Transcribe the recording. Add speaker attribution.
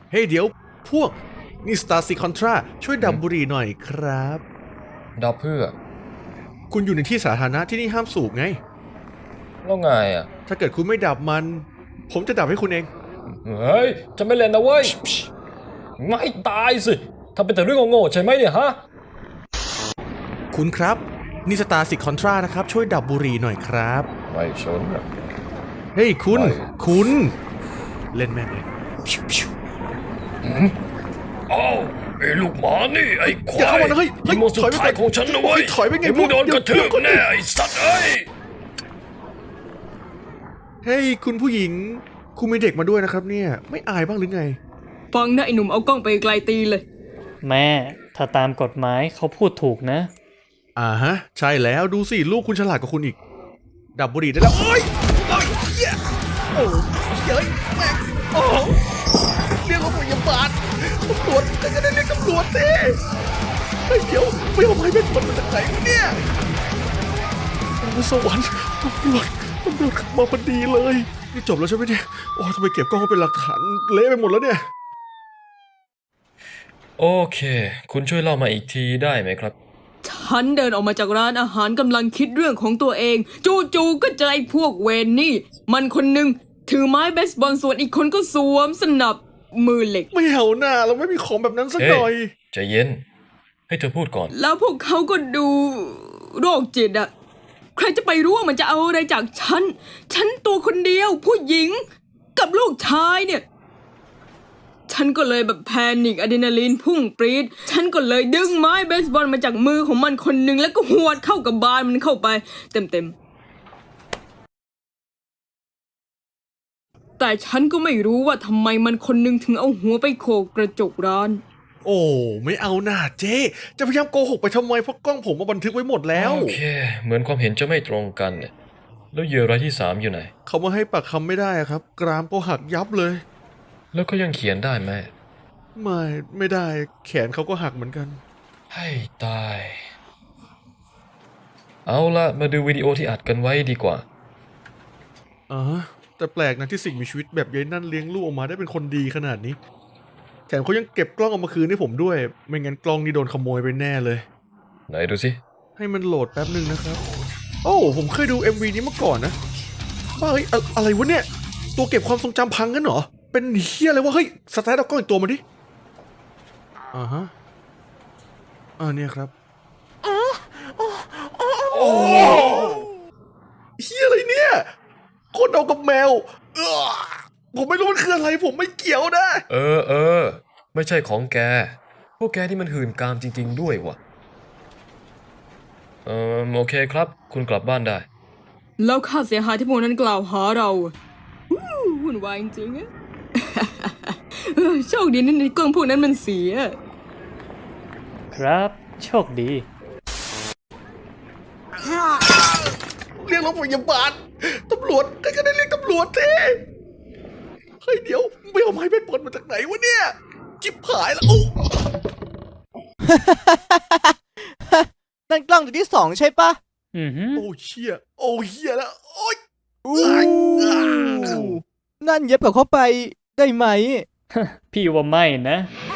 Speaker 1: เฮ้ยเดี๋ยวพวกนี่สตาร์ซีคอนทราช่วยดับบุหรี่หน่อยครับ
Speaker 2: ดับเพื่อ
Speaker 1: คุณอยู่ในที่สาธารณะที่นี่ห้ามสูบไง
Speaker 2: แล้วไงอ่ะ
Speaker 1: ถ้าเกิดคุณไม่ดับมัน ผมจะดับให้คุณเอง
Speaker 2: เฮ้ย จะไม่เล่นนะเว้ย ไม่ตายสิทำเป็นแต่เรื่องโง่ๆใช่ไหมเนี่ยฮะ
Speaker 1: คุณครับนี่สตาร์ซีคอนทรานะครับช่วยดับบุหรี่หน่อยครับ
Speaker 2: ไม่ชนอะ
Speaker 1: เฮ้ยคุณ
Speaker 2: ไม่
Speaker 1: คุณเล่นแม่งเลย
Speaker 2: อ้าวไอ้ลูกหมานี่ไอ้ควา
Speaker 1: อย่าเข้าย มานะเฮ้ย
Speaker 2: นี่โมสุดท้ายของฉันนะเว้ย
Speaker 1: ถอยไปไง
Speaker 2: เดี๋วมึงโดนกระทืบแน่ไอ้สัตว์เอ้ย
Speaker 1: เฮ้ยคุณผู้หญิงคุณมีเด็กมาด้วยนะครับเนี่ยไม่อายบ้างหรือไง
Speaker 3: ฟังนะไอ้หนุ่มเอากล้องไปไกลตีเลย
Speaker 4: แม่ถ้าตามกฎหมายเขาพูดถูกนะ
Speaker 1: ฮะใช่แล้วดูสิลูกคุณฉลาดกว่าคุณอีก ดับบุหรี่ได้แล้วโอ้ยโอ้ยเหี้ยโอ้เฮ้ยแม่งโอ้เรียกรถพยาบาลตำรวจจะได้เรียกตำรวจสิเฮ้ยเดี๋ยวไม่เอาไม้เบสบอลมาจากไหนวะเนี่ยโอ้สวรรค์ตำรวจขับมาพอดีเลยนี่จบแล้วใช่ไหมเนี่ยโอ้ทำไมเก็บกล้องมาเป็นหลักฐานเละไปหมดแล้วเนี่ย
Speaker 2: โอเค คุณช่วยเล่ามาอีกทีได้ไหมครับ
Speaker 3: ฉันเดินออกมาจากร้านอาหารกำลังคิดเรื่องของตัวเอง จู่ๆก็เจอไอ้พวกเวนนี่ มันคนหนึ่งถือไม้เบสบอลส่วนอีกคนก็สวมสนับมือเหล็ก
Speaker 1: ไม่เอาหน้าเราไม่มีของแบบนั้นสักหน่อย
Speaker 2: ใจเย็น ให้เธอพูดก่อน
Speaker 3: แล้วพวกเขาก็ดูโรคจิตอะใครจะไปรู้ว่ามันจะเอาอะไรจากฉัน ฉันตัวคนเดียวผู้หญิงกับลูกชายเนี่ย ฉันก็เลยแบบแพนิคอะดรีนาลีนพุ่งปรี๊ดฉันก็เลยดึงไม้เบสบอลมาจากมือของมันคนหนึ่งแล้วก็หวดเข้ากับบานมันเข้าไปเต็มๆแต่ฉันก็ไม่รู้ว่าทำไมมันคนหนึ่งถึงเอาหัวไปโขกกระจกร้าน
Speaker 1: โอ้ไม่เอาหน้าเจ๊จะพยายามโกหกไปทำไมเพราะกล้องผมมาบันทึกไว้หมดแล้ว
Speaker 2: โอเค เหมือนความเห็นจะไม่ตรงกันเนี่ย แล้วเหยื่อรายที่ 3อยู่ไหน
Speaker 1: เขามาให้ปากคำไม่ได้อะครับ กรามก็หักยับเลย
Speaker 2: แล้วเขายังเขียนได้ไหม
Speaker 1: ไม่ได้แขนเขาก็หักเหมือนกัน
Speaker 2: ให้ตาย เอาละมาดูวิดีโอที่อัดกันไว้ดีกว่า
Speaker 1: แต่แปลกนะที่สิ่งมีชีวิตแบบยายนั่นเลี้ยงลูกออกมาได้เป็นคนดีขนาดนี้แถมเขายังเก็บกล้องเอามาคืนให้ผมด้วย ไม่งั้นกล้องนี่โดนขโมยไปแน่เลย
Speaker 2: ไหนดูสิ
Speaker 1: ให้มันโหลดแป๊บหนึ่งนะครับ โอ้ผมเคยดู MV นี้มาก่อนนะบ้าเฮ้ยอะไรวะเนี่ย ตัวเก็บความทรงจำพังกันเหรอ เป็นเฮียอะไรวะ เฮ้ย สตาร์ทเอากล้องอีกตัวมาดิฮะเนี่ยครับโอ้เฮียอะไรเนี่ยคนเอากับแมวผมไม่รู้มันคืออะไรผมไม่เกี่ยวนะ
Speaker 2: เออ ไม่ใช่ของแก พวกแกที่มันหื่นกามจริงๆด้วยวะโอเคครับ คุณกลับบ้านได้
Speaker 3: แล้วค่าเสียหายที่พวกนั้นกล่าวหาเราวุ่นวายจริงๆอะ โชคดีนะในกล้องพวกนั้นมันเสีย
Speaker 4: ครับโชคดี
Speaker 1: เรียกรถพยาบาลตำรวจใครก็ได้เรียกตำรวจทีเฮ้ยเดี๋ยวไม่เอาไม้เบสบอลมาจากไหนวะเนี่ยจิบหายแล้ว
Speaker 5: นั่นกล้องตัวที่2ใช่ปะ
Speaker 4: อือหือ
Speaker 1: โอ้เชี่ยโอ้เฮียแล้วโอ้ย
Speaker 5: นั่นเย็บกับเข้าไปได้ไหม
Speaker 4: พี่ว่าไม่นะ